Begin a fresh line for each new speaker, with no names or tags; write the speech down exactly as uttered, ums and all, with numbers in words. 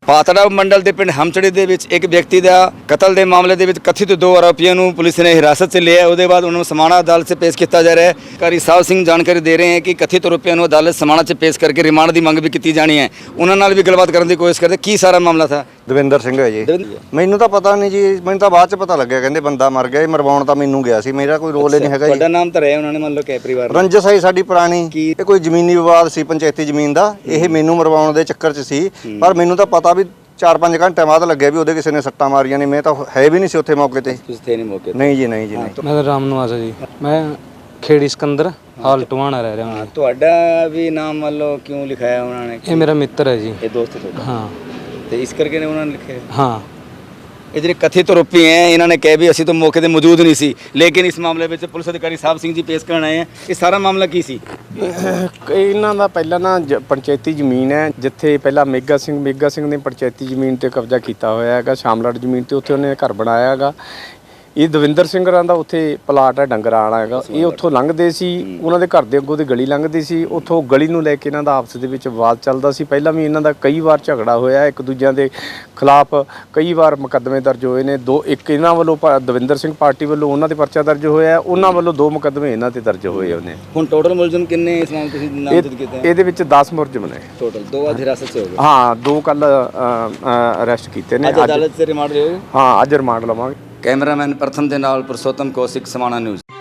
ਪਾਤੜਾ ਮੰਡਲ ਦੇ ਪਿੰਡ ਹਮਚੜੀ ਦੇ ਵਿੱਚ ਇੱਕ ਵਿਅਕਤੀ ਦਾ ਕਤਲ ਦੇ ਮਾਮਲੇ ਦੇ ਵਿੱਚ ਕਥਿਤ ਦੋ ਆਰੋਪੀਆਂ ਨੂੰ ਪੁਲਿਸ ਨੇ ਹਿਰਾਸਤ 'ਚ ਲਿਆ। ਉਹਦੇ ਬਾਅਦ ਉਹਨਾਂ ਨੂੰ ਸਮਾਣਾ ਅਦਾਲਤ 'ਚ ਪੇਸ਼ ਕੀਤਾ ਜਾ ਰਿਹਾ ਹੈ। ਕਾਰੀ ਸਾਹਿਬ ਸਿੰਘ ਜਾਣਕਾਰੀ ਦੇ ਰਹੇ ਹਨ ਕਿ ਕਥਿਤ ਆਰੋਪੀਆਂ ਨੂੰ ਅਦਾਲਤ ਸਮਾਣਾ 'ਚ ਪੇਸ਼ ਕਰਕੇ ਰਿਮਾਂਡ ਦੀ ਮੰਗ ਵੀ ਕੀਤੀ ਜਾਣੀ ਹੈ। ਉਹਨਾਂ ਨਾਲ ਵੀ ਗੱਲਬਾਤ ਕਰਨ ਦੀ ਕੋਸ਼ਿਸ਼ ਕਰਦੇ। ਕੀ ਸਾਰਾ ਮਾਮਲਾ ਥਾ?
ਦਵਿੰਦਰ ਸਿੰਘ ਹੈ ਜੀ। ਮੈਨੂੰ ਤਾਂ ਪਤਾ ਨਹੀਂ ਜੀ, ਮੈਨੂੰ ਤਾਂ ਬਾਅਦ 'ਚ ਪਤਾ ਲੱਗਿਆ, ਕਹਿੰਦੇ ਬੰਦਾ ਮਰ ਗਿਆ। ਮਰਵਾਉਣ ਤਾਂ ਮੈਨੂੰ ਗਿਆ ਸੀ, ਮੇਰਾ ਕੋਈ ਰੋਲ ਹੀ ਨਹੀਂ ਹੈਗਾ ਜੀ।
ਤੁਹਾਡਾ ਨਾਮ ਤਾਂ ਰਿਹਾ ਉਹਨਾਂ ਨੇ, ਮੰਨ ਲਓ ਕਿ ਪਰਿਵਾਰ
ਰੰਜਸ ਹੈ ਸਾਡੀ ਪੁਰਾਣੀ। ਇਹ ਕੋਈ ਜ਼ਮੀਨੀ ਵਿਵਾਦ ਸੀ, ਪੰਚਾਇਤੀ ਜ਼ਮੀਨ ਦਾ। ਇਹ ਮੈਨੂੰ ਮਰਵਾਉਣ ਦੇ ਚੱਕਰ 'ਚ ਸੀ, ਪਰ ਮੈਨੂੰ ਤਾਂ ਪਤਾ ਵੀ ਚਾਰ ਪੰਜ ਘੰਟੇ ਬਾਅਦ ਲੱਗਿਆ ਵੀ ਉਹਦੇ ਕਿਸੇ ਨੇ ਸੱਟਾਂ ਮਾਰੀਆਂ ਨੇ। ਮੈਂ ਤਾਂ ਹੈ ਵੀ ਨਹੀਂ ਸੀ ਉੱਥੇ ਮੌਕੇ ਤੇ।
ਤੁਸੀਂ ਥੇ ਨਹੀਂ ਮੌਕੇ ਤੇ?
ਨਹੀਂ ਜੀ, ਨਹੀਂ ਜੀ, ਨਹੀਂ।
ਮੈਂ ਤਾਂ ਰਾਮ ਨਿਵਾਸ ਜੀ, ਮੈਂ ਖੇੜੀ ਸਿਕੰਦਰ ਹਾਲ ਟਵਾਣਾ ਰਹਿ ਰਿਹਾ ਹਾਂ।
ਤੁਹਾਡਾ ਵੀ ਨਾਮ ਮੰਨ ਲਓ ਕਿਉਂ ਲਿਖਾਇਆ ਉਹਨਾਂ ਨੇ?
ਇਹ ਮੇਰਾ ਮਿੱਤਰ ਹੈ ਜੀ।
ਇਹ ਦੋਸਤ ਤੁਹਾਡਾ?
ਹਾਂ।
ਤੇ ਇਸ ਕਰਕੇ ਨੇ ਉਹਨਾਂ ਨੇ ਲਿਖਿਆ?
ਹਾਂ।
ਇਹ ਜਿਹੜੇ ਕਥਿਤ ਆਰੋਪੀ ਹੈ ਇਹਨਾਂ ਨੇ ਕਿਹਾ ਵੀ ਅਸੀਂ ਤਾਂ ਮੌਕੇ ਤੇ ਮੌਜੂਦ ਨਹੀਂ ਸੀ, ਲੇਕਿਨ ਇਸ ਮਾਮਲੇ ਵਿੱਚ ਪੁਲਿਸ ਅਧਿਕਾਰੀ ਸਾਹਿਬ ਸਿੰਘ ਜੀ ਪੇਸ਼ ਕਰਨ ਆਏ ਹੈ। ਇਹ ਸਾਰਾ ਮਾਮਲਾ ਕੀ ਸੀ?
ਇਹਨਾਂ ਦਾ ਪਹਿਲਾਂ ਨਾ ਜ- ਪੰਚਾਇਤੀ ਜ਼ਮੀਨ ਹੈ, ਜਿੱਥੇ ਪਹਿਲਾਂ ਮੇਗਾ ਸਿੰਘ ਮੇਗਾ ਸਿੰਘ ਨੇ ਪੰਚਾਇਤੀ ਜ਼ਮੀਨ ਤੇ ਕਬਜ਼ਾ ਕੀਤਾ ਹੋਇਆ ਹੈਗਾ, ਸ਼ਾਮਲਾਟ ਜ਼ਮੀਨ ਤੇ। ਉੱਥੇ ਉਹਨੇ ਘਰ ਬਣਾਇਆ ਹੈਗਾ। ਇਹ ਦਵਿੰਦਰ ਸਿੰਘ ਰਾਂ ਦਾ ਉੱਥੇ ਪਲਾਟ ਹੈ, ਡੰਗਰਾਂ ਵਾਲਾ ਹੈਗਾ। ਇਹ ਉੱਥੋਂ ਲੰਘਦੇ ਸੀ, ਉਹਨਾਂ ਦੇ ਘਰ ਦੇ ਅੱਗੋਂ ਦੀ ਗਲੀ ਲੰਘਦੀ ਸੀ। ਉੱਥੋਂ ਗਲੀ ਨੂੰ ਲੈ ਕੇ ਇਹਨਾਂ ਦਾ ਆਪਸ ਦੇ ਵਿੱਚ ਵਿਵਾਦ ਚੱਲਦਾ ਸੀ। ਪਹਿਲਾਂ ਵੀ ਇਹਨਾਂ ਦਾ ਕਈ ਵਾਰ ਝਗੜਾ ਹੋਇਆ, ਇੱਕ ਦੂਜਿਆਂ ਦੇ ਖਿਲਾਫ ਕਈ ਵਾਰ ਮੁਕੱਦਮੇ ਦਰਜ ਹੋਏ ਨੇ। ਦੋ ਇੱਕ ਇਹਨਾਂ ਵੱਲੋਂ ਪ- ਦਵਿੰਦਰ ਸਿੰਘ ਪਾਰਟੀ ਵੱਲੋਂ ਉਹਨਾਂ ਤੇ ਪਰਚਾ ਦਰਜ ਹੋਇਆ, ਉਹਨਾਂ ਵੱਲੋਂ ਦੋ ਮੁਕੱਦਮੇ ਇਹਨਾਂ ਤੇ ਦਰਜ ਹੋਏ ਉਹਨੇ।
ਹੁਣ ਟੋਟਲ ਮੁਲਜ਼ਮ ਕਿੰਨੇ ਇਸ ਮਾਮਲੇ ਤੁਸੀਂ ਨਾਮਜ਼ਦ ਕੀਤੇ
ਇਹ- ਇਹਦੇ ਵਿੱਚ ਦਸ ਮੁਲਜ਼ਮ ਨੇ
ਟੋਟਲ? ਦੋ ਅੱਜ ਹਿਰਾਸਤ 'ਚ ਹੋ ਗਏ?
ਹਾਂ, ਦੋ ਕੱਲ ਅਰੈਸਟ ਕੀਤੇ ਨੇ।
ਅੱਜ ਅਦਾਲਤ 'ਚ ਰਿਮਾਂਡ ਲਿਓ?
ਹਾਂ, ਅੱਜ ਰਿਮਾਂਡ ਲਵਾਂਗੇ।
ਕੈਮਰਾਮੈਨ ਪ੍ਰਥਮ ਦੇ ਨਾਲ ਪੁਰਸ਼ੋਤਮ ਕੌਸ਼ਿਕ, ਸਮਾਣਾ ਨਿਊਜ਼।